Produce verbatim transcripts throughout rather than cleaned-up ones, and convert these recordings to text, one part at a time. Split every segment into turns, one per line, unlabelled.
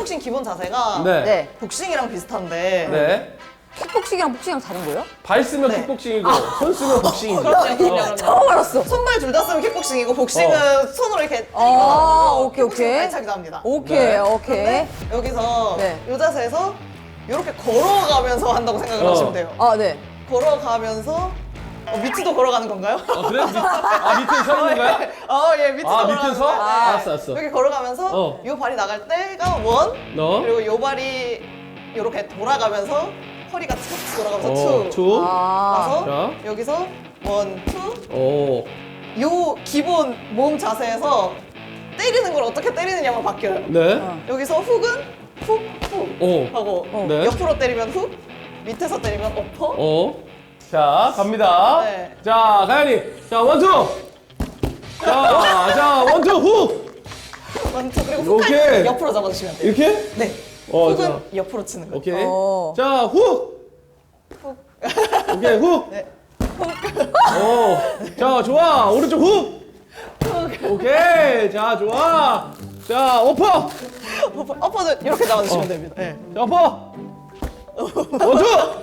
킥복싱 기본 자세가
네.
네.
복싱이랑 비슷한데
네.
킥복싱이랑 복싱이랑 다른 거예요?
발 쓰면
네.
킥복싱이고 손 쓰면 복싱이지.
그럼요, 그럼요,
어.
그럼요.
처음 알았어.
손발 둘 다 쓰면 킥복싱이고 복싱은 손으로 이렇게 때리고
아, 오케이,
킥복싱은
오케이.
발차기도 합니다.
오케이,
네.
오케이.
근데 여기서
네.
이 자세에서 이렇게 걸어가면서 한다고 생각을
어.
하시면 돼요.
아, 네.
걸어가면서 어, 밑도 걸어가는 건가요?
어, 그래? 밑, 아, 밑에 서 있는 거야?
어, 예, 밑도
아,
걸어가는
밑에 서?
거예요.
아, 알았어, 알았어.
여기 걸어가면서
어.
이 발이 나갈 때가 원,
너?
그리고 이 발이 이렇게 돌아가면서 허리가 툭 돌아가면서
어,
투.
투.
아.
나서
자.
여기서 원, 투.
오.
요 기본 몸 자세에서 때리는 걸 어떻게 때리느냐만 바뀌어요.
네.
어.
여기서 훅은 훅, 훅
오.
하고
네.
옆으로 때리면 훅, 밑에서 때리면 어퍼.
오. 자, 갑니다.
네.
자, 가연이. 자, 원투. 자, 자, 원투 후.
원, 투. 그리고 훅
오케이.
할 때 옆으로 잡아주시면 돼요.
이렇게?
네.
어,
훅은
자.
옆으로 치는 거예요.
오케이.
어.
자, 후.
훅.
오케이, 후.
네.
오. 자, 좋아. 오른쪽 후. 오케이. 자, 좋아. 자, 오퍼.
어퍼, 어퍼는 이렇게 잡아주시면
어.
됩니다. 네.
자, 오퍼. 원투.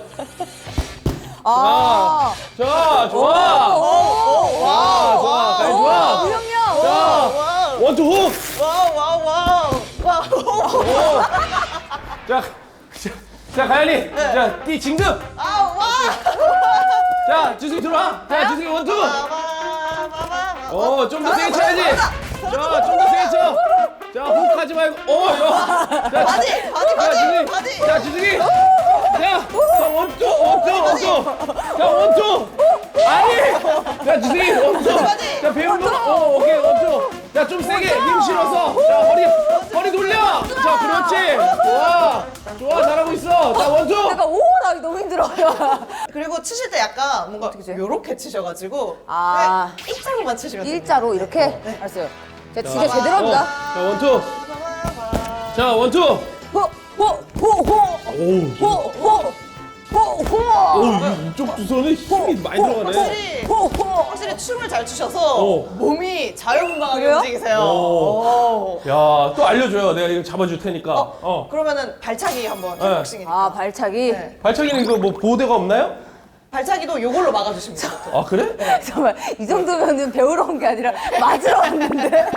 아.
자, 좋아.
오, 오,
자, 좋아. 가연 좋아.
우영영.
자,
와우.
원투 후.
와우, 와우, 와우. 와우.
오. 자, 자, 자, 가연이. 자, 띠 진급.
아, 와.
자, 주승이 들어와. 자, 주승이 원투.
와와와와.
어, 좀 더 세게 쳐야지. 자, 좀 더 세게 쳐. 자, 호흡 하지 말고. 어, 야. 자,
바디, 바디,
자,
바디,
주승이.
바디.
자, 주승이. 자, 자, 원투, 원투, 원투. 자, 원투. 아니. 자, 주승이 원투.
바디.
자, 배운 거. 어, 오케이, 원투. 자, 좀 세게 힘 실어서. 자, 허리, 허리 돌려. 자, 그렇지. 좋아. 좋아, 잘하고 있어. 자, 원투.
약간 오, 나 너무 힘들어요.
그리고 치실 때 약간 뭔가
어떻게 쳐요?
요렇게 치셔가지고
아.
네, 일자로만 치시면 돼요.
일자로 이렇게? 알았어요. 제가 진짜 제대로
어,
합니다.
자, 원투. 자, 원투.
호, 호, 호, 호.
오우.
호, 호, 호, 호.
오, 이쪽 두 손에 힘이 많이 들어가네.
확실히
호, 호.
확실히 춤을 잘 추셔서
어.
몸이 자유분방하게
그래요?
움직이세요.
오.
오.
야, 또 알려줘요. 내가 이거 잡아줄 테니까.
어,
어.
그러면은 발차기 한번
네.
복싱이니까.
아, 발차기.
네.
발차기는 이거 뭐 보호대가 없나요?
발차기도 요걸로 막아주시면 돼요.
아, 그래?
정말 이 정도면은 배우러 온 게 아니라 맞으러 왔는데.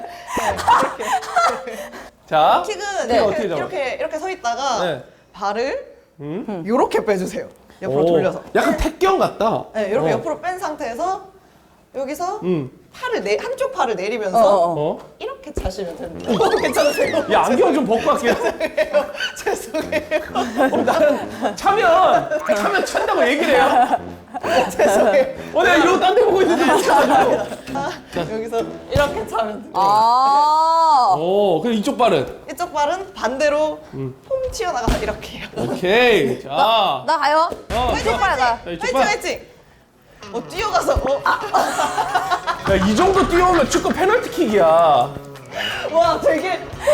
자.
킥은
네.
이렇게,
어떻게 잡아요?
이렇게 이렇게 서 있다가
네.
발을
음?
요렇게 빼주세요. 옆으로
오,
돌려서.
약간 택경 같다.
네, 이렇게
어.
옆으로 뺀 상태에서 여기서
음.
팔을 내 한쪽 팔을 내리면서
어, 어, 어.
어?
이렇게 자시면 됩니다. 어, 괜찮으세요?
야, 안경 좀 벗고 갈게요.
죄송해요.
어, 나는 차면, 차면 찬다고 얘기를 해요.
죄송해요.
어, 내가 이러고 딴 데 보고 있는데 못 차가지고.
아, 여기서 이렇게 차면 돼요.
아.
오, 그럼 이쪽 발은?
이쪽 발은 반대로
음.
폼 튀어나가서 이렇게 해요.
오케이. 자.
나 가요.
어,
왼쪽 발 가.
자, 이쪽
화이팅
발.
화이팅! 어 뛰어가서 어,
야, 이 정도 뛰어오면 축구 페널티킥이야.
와 되게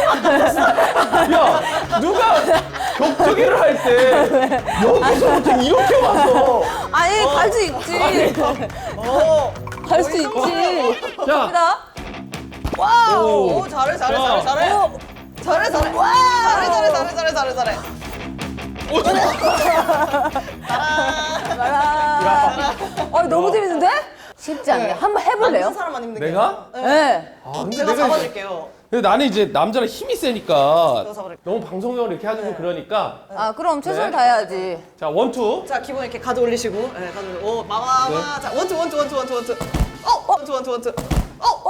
야, 누가 격투기를 할 때 여기서부터 이렇게 와서.
아니, 갈 수 있지.
어,
갈 수 있지.
자,
갑니다.
와우
오.
오, 잘해 잘해
자.
잘해 잘해
오.
잘해 잘해
와.
잘해 잘해 잘해 잘해 잘해 잘해
오,
가라. 아, 너무 재밌는데? 쉽지 않네. 한번 해볼래요?
앉은 사람만 힘든 게
내가?
아니라.
네.
아, 근데
제가
내가
잡아줄게요.
근데 나는 이제 남자는 힘이 세니까
제가 잡아줄게요.
너무 방송용으로 이렇게 하고 그러니까.
아, 그럼 최선을
네.
다해야지.
자, 원투.
자 기본 이렇게 가져 올리시고 네, 가져 올리고 오 마마마
네.
자 원투 원투 원투 원투 원투 어 원투 원투 원투 어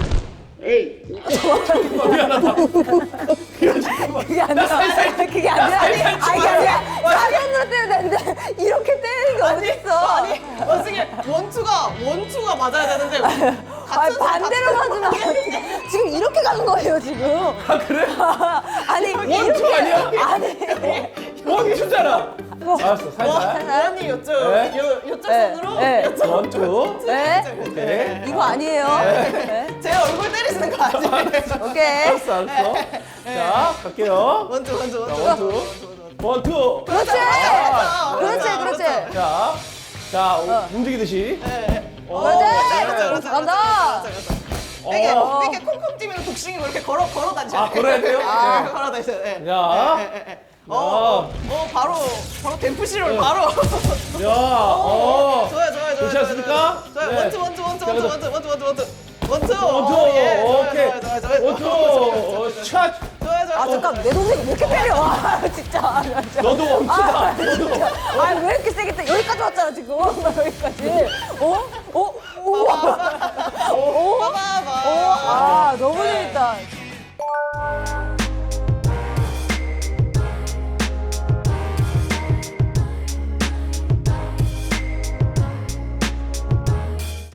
미안하다.
그게 아니라. 그게 아니라. 아니, 아니, 그게 아니라. 사면으로 때려야 되는데, 이렇게 때리는 게 어딨어.
아니 원숭이 원투가 원투가 맞아야 되는데
아니,
같은
반대로
같은-
가지 마. 지금 이렇게 가는 거예요, 지금.
아, 그래?
아니,
원투 아니야?
아니.
원투잖아. 알았어, 살살.
원이 요쪽
네.
요 요쪽
네.
손으로
네.
요쪽
원투.
네?
오케이.
이거 아니에요. 네.
제 얼굴 때리시는 거 아니에요?
오케이.
알았어, 알았어. 자, 갈게요.
원투 원투
자,
원투
원투. 원투.
그렇지.
아,
그렇지, 그렇지.
자, 자, 오, 움직이듯이.
네.
어,
그렇지.
그렇죠, 그렇죠, 그렇죠,
간다.
그렇죠, 그렇죠. 이게
어.
이렇게 콩콩 뛰면 복싱이고 이렇게 걸어 걸어 다니셔야
아, 걸어야 돼요?
아,
네.
걸어 다니셔야 돼.
야.
예, 예, 예. 어, 어, 어, 바로 바로 댐프시를 바로.
야, 어.
좋아요, 좋아요, 좋아요.
괜찮습니까?
좋아요.
네.
원투, 원투, 원투,
자,
원투,
그럼-
원투, 원투, 원투, 원투, 원투.
원투,
어, 예, 좋아요,
오케이.
좋아요, 좋아요, 좋아요.
원투, 어, 샷.
좋아요, 좋아요.
아 잠깐 내 동생이 왜 이렇게 때려? 아 진짜. 아, 진짜.
너도 원투다.
아, 진짜. 아, 왜 이렇게 세게 때? 여기까지 왔잖아 지금. 여기까지. 어? 어? 오. 오.
봐봐, 봐봐.
아 너무 재밌다.